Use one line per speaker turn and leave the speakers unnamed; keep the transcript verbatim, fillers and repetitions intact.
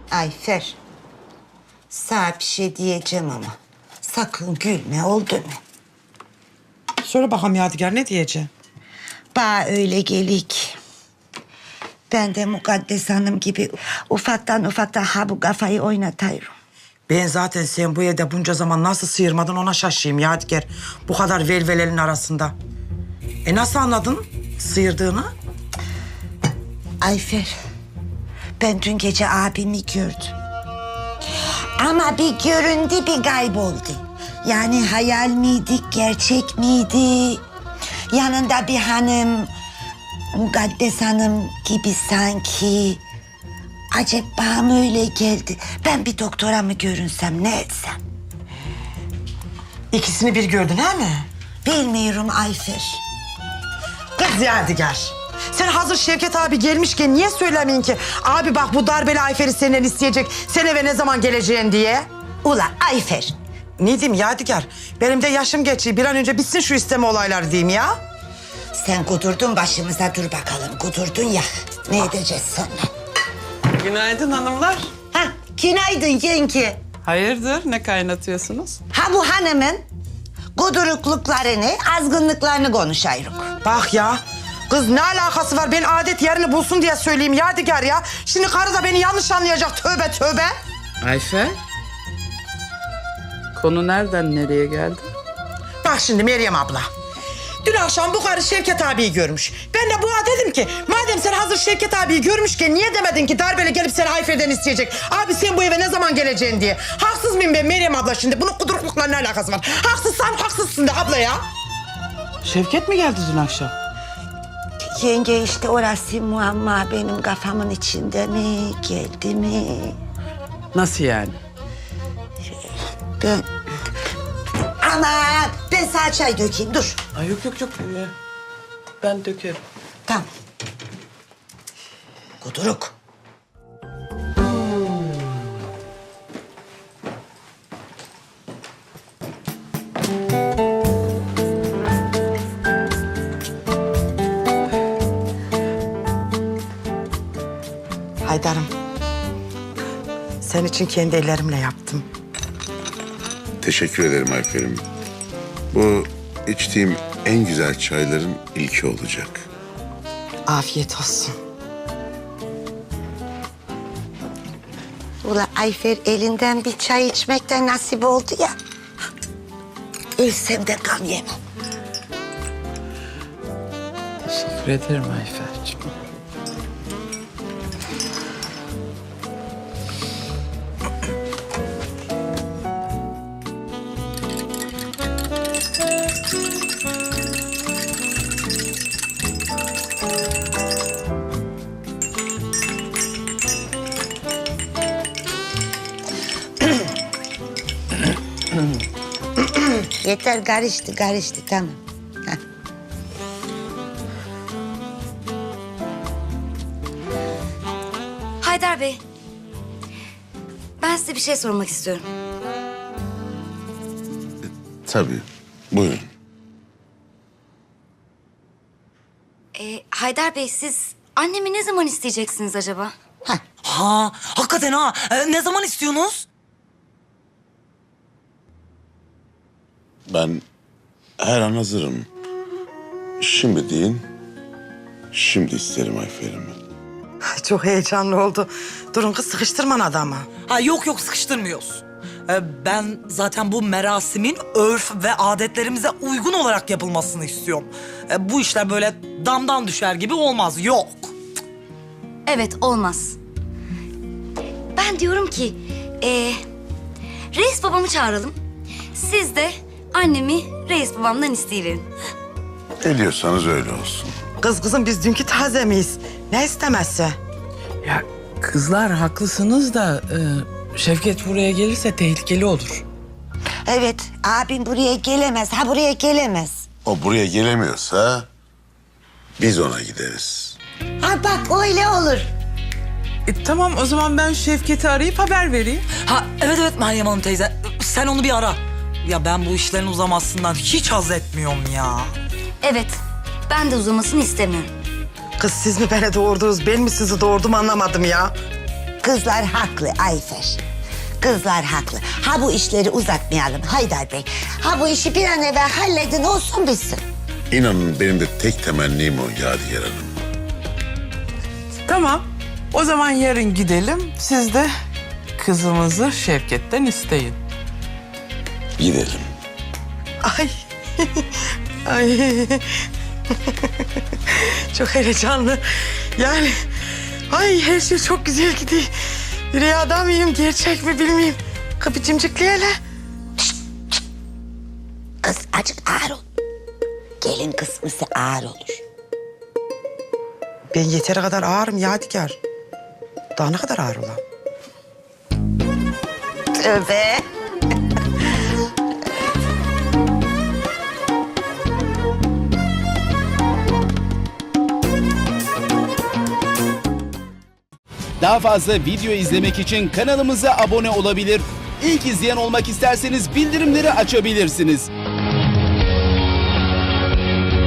Ayfer, sana bir şey diyeceğim ama sakın gülme, oldu mu?
Söyle bakalım Yadigar, ne diyeceksin?
Bana öyle gelik. Ben de Mukaddes Hanım gibi ufaktan ufaktan ha bu kafayı oynatayım.
Ben zaten sen bu evde bunca zaman nasıl sıyırmadın ona şaşayım Yadigar. Bu kadar velvelerin arasında. E nasıl anladın sıyırdığını?
Ayfer, ben dün gece abimi gördüm. Ama bir göründü, bir kayboldu. Yani hayal miydi, gerçek miydi? Yanında bir hanım, Mukaddes Hanım gibi sanki. Acaba bana mı öyle geldi? Ben bir doktora mı görünsem, ne etsem?
İkisini bir gördün he mi?
Bilmiyorum Ayfer.
Kız Yadigar. Sen hazır Şevket abi gelmişken niye söylemeyin ki? Abi bak bu darbeli Ayfer'i senden isteyecek. Sen eve ne zaman geleceğin diye.
Ula Ayfer.
Ne diyeyim Yadigar? Benim de yaşım geçiyor. Bir an önce bitsin şu isteme olayları diyeyim ya.
Sen kudurdun başımıza, dur bakalım. Kudurdun ya. Ne edeceğiz sonra?
Günaydın hanımlar.
Ha, günaydın yenge.
Hayırdır, ne kaynatıyorsunuz?
Ha bu hanımın kudurukluklarını, azgınlıklarını konuşayım.
Bak ya. Kız ne alakası var? Ben adet yerini bulsun diye söyleyeyim Yadigar ya. Şimdi karı da beni yanlış anlayacak. Tövbe tövbe.
Ayfer. Konu nereden nereye geldi?
Bak şimdi Meryem abla. Dün akşam bu karı Şevket abiyi görmüş. Ben de buna dedim ki madem sen hazır Şevket abiyi görmüşken niye demedin ki darbeli gelip seni Ayfer'den isteyecek? Abi sen bu eve ne zaman geleceksin diye. Haksız mıyım ben Meryem abla şimdi? Bunun kuduruklukla ne alakası var? Haksızsan haksızsın de abla ya.
Şevket mi geldi dün akşam?
Yenge işte orası muamma benim kafamın içinde mi, geldi mi?
Nasıl yani?
Ben... Aman ben sana çay dökeyim, dur.
Ay yok yok yok. Ee, Ben dökerim.
Tamam. Kuduruk.
Haydar'ım. Senin için kendi ellerimle yaptım.
Teşekkür ederim Ayfer'im. Bu içtiğim en güzel çayların ilki olacak.
Afiyet olsun.
Ula Ayfer elinden bir çay içmekten nasip oldu ya. Ölsem de gam yemem.
Teşekkür ederim Ayfer'cim.
Yeter, karıştı karıştı, tamam. Heh.
Haydar Bey, ben size bir şey sormak istiyorum.
Tabii. Buyurun.
Ee, Haydar Bey, siz annemi ne zaman isteyeceksiniz acaba?
Ha, hakikaten ha. Ee, ne zaman istiyorsunuz?
Ben her an hazırım. Şimdi deyin. Şimdi isterim Ayfer'imi.
Ay, çok heyecanlı oldu. Durun kız sıkıştırman adamı.
Ha yok yok sıkıştırmıyoruz. Ee, ben zaten bu merasimin örf ve adetlerimize uygun olarak yapılmasını istiyorum. Ee, bu işler böyle damdan düşer gibi olmaz. Yok.
Evet, olmaz. Ben diyorum ki, ee, reis babamı çağıralım. Siz de annemi reis babamdan isteyiverin.
Ne diyorsanız öyle olsun.
Kız kızım biz dünkü taze miyiz? Ne istemezse?
Ya kızlar haklısınız da e, Şevket buraya gelirse tehlikeli olur.
Evet, abim buraya gelemez, ha buraya gelemez.
O buraya gelemiyorsa biz ona gideriz.
Ha bak öyle olur.
E, tamam o zaman ben Şevket'i arayıp haber vereyim.
Ha evet evet Meryem Hanım teyze. Sen onu bir ara. Ya ben bu işlerin uzamasından hiç haz etmiyorum ya.
Evet, ben de uzamasını istemiyorum.
Kız siz mi beni doğurdunuz, ben mi sizi doğurdum anlamadım ya.
Kızlar haklı Ayfer. Kızlar haklı. Ha bu işleri uzatmayalım Haydar Bey. Ha bu işi bir an evvel halledin olsun bitsin.
İnanın benim de tek temennim o Yadigar Hanım.
Tamam. O zaman yarın gidelim. Siz de kızımızı Şevket'ten isteyin.
Gidelim.
Ay. Ay. Çok heyecanlı. Yani ay her şey çok güzel gidiyor. Rüyada mıyım, gerçek mi bilmeyeyim. Kapı cimcikli hele.
Kız acık ağır ol. Gelin kısmısı ağır olur.
Ben yeteri kadar ağırım Yadigar. Daha ne kadar ağır olam?
Tövbe.
Daha fazla video izlemek için kanalımıza abone olabilir. İlk izleyen olmak isterseniz bildirimleri açabilirsiniz.